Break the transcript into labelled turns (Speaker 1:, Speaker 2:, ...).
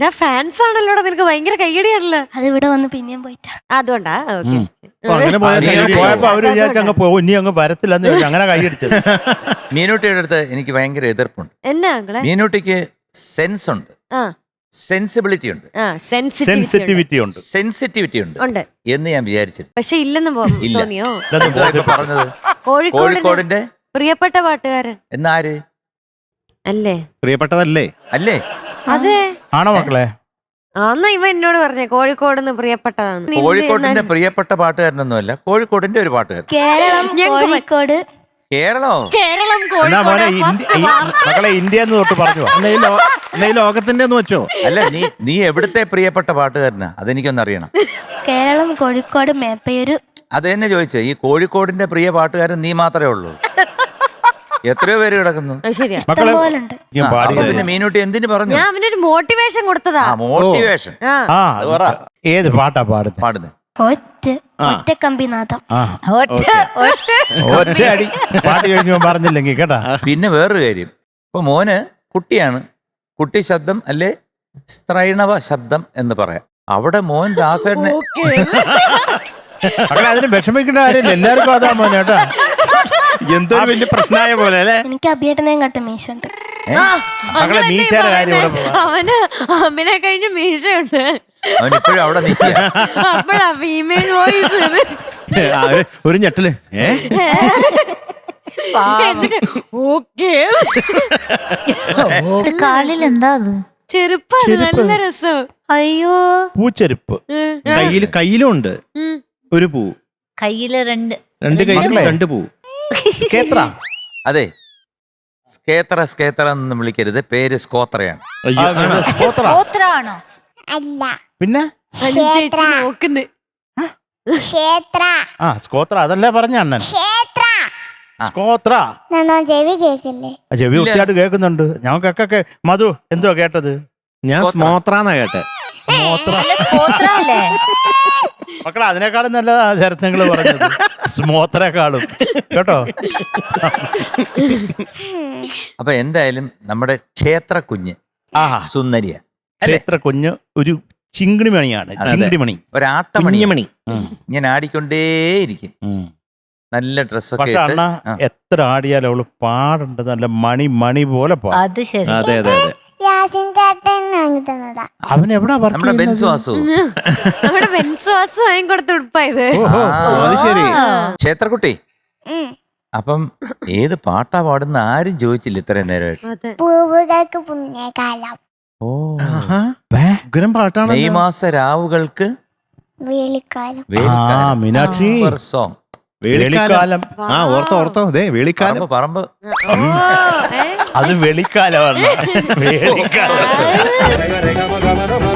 Speaker 1: Fans ആണല്ലോ നിനക്ക് ഭയങ്കര കയ്യടിയാണല്ലോ.
Speaker 2: അത് ഇവിടെ വന്ന് പിന്നെയും പോയിട്ടാ.
Speaker 1: അതുകൊണ്ടാ
Speaker 3: അങ്ങനെ പോയപ്പോ അവര് വിചാരിച്ചങ്ങ് പോകും, ഇനി അങ്ങ് വരത്തില്ലെന്ന് ചോദിച്ചു, അങ്ങനെ കൈയടിച്ചത്.
Speaker 4: മീനൂട്ടിയുടെ അടുത്ത് എനിക്ക് ഭയങ്കര എതിർപ്പുണ്ട്.
Speaker 1: എന്നാ
Speaker 4: മീനൂട്ടിക്ക് സെൻസ് ഉണ്ട്, സെൻസിബിലിറ്റി ഉണ്ട്,
Speaker 3: സെൻസിറ്റിവിറ്റി ഉണ്ട്,
Speaker 4: സെൻസിറ്റിവിറ്റി ഉണ്ട് എന്ന് ഞാൻ വിചാരിച്ചിരുന്നു.
Speaker 1: പക്ഷെ ഇല്ലെന്ന് തോന്നിയോ?
Speaker 4: പറഞ്ഞത്
Speaker 1: കോഴിക്കോടിന്റെ പ്രിയപ്പെട്ട പാട്ടുകാരൻ
Speaker 4: എന്നാര്
Speaker 5: അല്ലേ? പ്രിയപ്പെട്ടതല്ലേ?
Speaker 4: അല്ലേ?
Speaker 1: അതെ
Speaker 3: ആണോ മക്കളെ?
Speaker 1: അന്നാ ഇവ എന്നോട് പറഞ്ഞേ കോഴിക്കോടിന് പ്രിയപ്പെട്ടതാണ്.
Speaker 4: കോഴിക്കോടിന്റെ പ്രിയപ്പെട്ട പാട്ടുകാരനൊന്നുമല്ല, കോഴിക്കോടിന്റെ ഒരു പാട്ടുകാരൻ.
Speaker 2: കേരളം, കോഴിക്കോട്.
Speaker 4: കേരളോ?
Speaker 1: കേരളം,
Speaker 3: മക്കളെ ഇന്ത്യ എന്ന് തൊട്ട് പറഞ്ഞു.
Speaker 5: ലോകത്തിന്റെ ഒന്ന് വെച്ചോ.
Speaker 4: അല്ല, നീ എവിടുത്തെ പ്രിയപ്പെട്ട പാട്ടുകാരനാ? അതെനിക്കൊന്ന് അറിയണം.
Speaker 2: കേരളം, കോഴിക്കോട്, മേപ്പയൂര്.
Speaker 4: അത് തന്നെ ചോദിച്ചേ. ഈ കോഴിക്കോടിന്റെ പ്രിയ പാട്ടുകാരൻ നീ മാത്രമേ ഉള്ളൂ? എത്രയോ പേര് കിടക്കുന്നു. പിന്നെ മീനൂട്ടി എന്തിനു പറഞ്ഞു?
Speaker 1: ഞാൻ അവനൊരു മോട്ടിവേഷൻ കൊടുത്തതാ.
Speaker 4: മോട്ടിവേഷൻ
Speaker 3: ഏത് പാട്ടാ പാടുന്നത്?
Speaker 2: ഒറ്റക്കമ്പിനാഥം.
Speaker 3: ഒറ്റയടി പാട്ട് കഴിഞ്ഞു പറഞ്ഞില്ലെങ്കിൽ കേട്ടാ.
Speaker 4: പിന്നെ വേറൊരു കാര്യം, ഇപ്പൊ മോന് കുട്ടിയാണ്, കുട്ടി ശബ്ദം അല്ലെ സ്ത്രൈണവ ശബ്ദം എന്ന് പറയാം. അവിടെ മോൻ ദാസേട്ടനെ
Speaker 3: അതിന് വിഷമിക്കേണ്ട കാര്യമില്ല, എല്ലാവർക്കും അതാ മോനെ കേട്ടാ.
Speaker 5: എന്തൊരു വലിയ പ്രശ്നമായ പോലെ അല്ലേ?
Speaker 2: എനിക്ക് അഭിയേട്ടനെയും കട്ട മീശുണ്ട്.
Speaker 3: മീശയുടെ കാര്യം
Speaker 1: അവന് അമ്മിനെ കഴിഞ്ഞ മീശയുണ്ട്.
Speaker 4: അവനിപ്പോഴും അവിടെ
Speaker 1: അപ്പോഴാ ഫീമെയിൽ വോയിസ്
Speaker 5: ഒരു ഞെട്ടല്.
Speaker 6: കാലിൽ എന്താ അത്?
Speaker 1: ചെരുപ്പ്. നല്ല രസം.
Speaker 2: അയ്യോ,
Speaker 3: പൂച്ചെരുപ്പ്.
Speaker 5: കയ്യിലും ഉണ്ട് ഒരു പൂ.
Speaker 6: കയ്യില് രണ്ട്
Speaker 5: കയ്യിലും രണ്ട് പൂ.
Speaker 4: അതെ, സ്കേത്ര എന്ന് വിളിക്കരുത്, പേര് സ്കോത്രയാണ്.
Speaker 6: സ്കോത്രാണോ?
Speaker 7: അല്ല,
Speaker 3: പിന്നെ
Speaker 1: നോക്കുന്നു.
Speaker 3: സ്കോത്ര അതല്ലേ പറഞ്ഞ അണ്ണൻ. സ്കോത്ര
Speaker 7: ചെവി കേക്കില്ലേ?
Speaker 3: ചെവി വൃത്തിയായിട്ട് കേൾക്കുന്നുണ്ട് ഞങ്ങൾക്കൊക്കെ. മധു എന്തോ കേട്ടത്?
Speaker 5: ഞാൻ സ്മോത്രാന്നാ കേട്ടെ.
Speaker 3: മക്കളെ അതിനേക്കാളും നല്ല ചരിത്രങ്ങൾ പറഞ്ഞത് സ്മോത്രേക്കാളും കേട്ടോ.
Speaker 4: അപ്പൊ എന്തായാലും നമ്മുടെ ക്ഷേത്ര കുഞ്ഞ് സുന്ദരിയ.
Speaker 3: ക്ഷേത്ര കുഞ്ഞ് ഒരു ചിങ്കിണിമണിയാണ്. ചിങ്കിടിമണി,
Speaker 4: ഒരാട്ടമണിമണി. ഇങ്ങനെ ആടിക്കൊണ്ടേയിരിക്കും. നല്ല ഡ്രസ്സൊക്കെ
Speaker 3: അണ്ണ എത്ര ആടിയാലും അവള് പാടുണ്ട്, നല്ല മണി പോലെ പാടും.
Speaker 6: അത് ശരി.
Speaker 5: അതെ അതെ അതെ.
Speaker 3: അവൻ എവിടാ
Speaker 4: നമ്മുടെ ബെൻസുവാസു
Speaker 1: കൊടുത്ത ഉടുപ്പായത്.
Speaker 5: ശരി.
Speaker 4: ക്ഷേത്രക്കുട്ടി, അപ്പം ഏത് പാട്ടാ പാടുന്ന ആരും ചോദിച്ചില്ല ഇത്രയും നേരമായിട്ട്.
Speaker 7: പൂവുകൾക്ക് പുണ്യകാലം.
Speaker 4: ഓ,
Speaker 5: പാട്ടാണ്.
Speaker 4: മെയ് മാസ രാവുകൾക്ക്
Speaker 7: വേളിക്കാലം.
Speaker 3: മീനാക്ഷി
Speaker 4: സോങ്.
Speaker 3: വേളിക്കാലം.
Speaker 5: ഓർത്തോ അതെ, വേളിക്കാലം.
Speaker 4: പറമ്പ്
Speaker 3: അത് വെളിക്കാലമാണ്. വേളിക്കാലം.